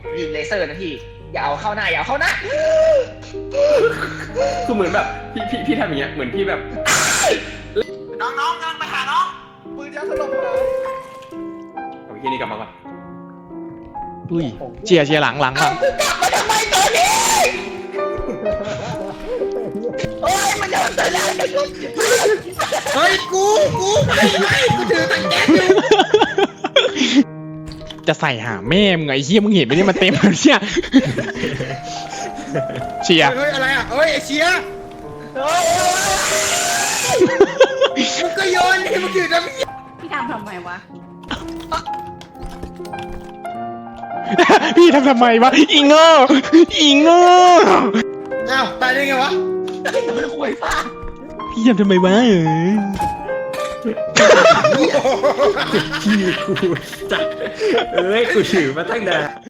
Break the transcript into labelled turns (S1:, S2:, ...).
S1: ยิงเลเซอร์นะพี่อย่าเอาเข้าหน้าอย่าเอาเข้าหน้า
S2: คือเหมือนแบบพี่ทำอย่างเงี้ยเหมือนพี่แบบ
S1: น้องเงินไปหาน้องปืนยาสลบเลย
S2: เอาที่นี่กลับมาก่อน
S3: อุ้ยเชียร์หลัง
S1: กลับมาทำไมตอนนี้โอ้ยมันจะมาเตือนอะไรกูเฮ้ยกูถือตังแก๊สอยู่
S3: จะใส่หาแม่มึงไอ้เหี้ยมึงเห็นไหมเนี่ยมันเต็มแล้วเนี่ยเชียร์
S4: เฮ้ยอะไรอ่ะเฮ้ยไอเชียมึงก็โยนให้มึงถือน้ำ
S5: พี่ทำไมวะ
S3: พี่ทำไมวะอีโง่
S4: อ้าวตายได้ไงวะ
S1: มันห่วยฟ้า
S3: พี่ทำไมวะ
S2: พี่กูจัดเอ้ยกูถือมาตั้งนาน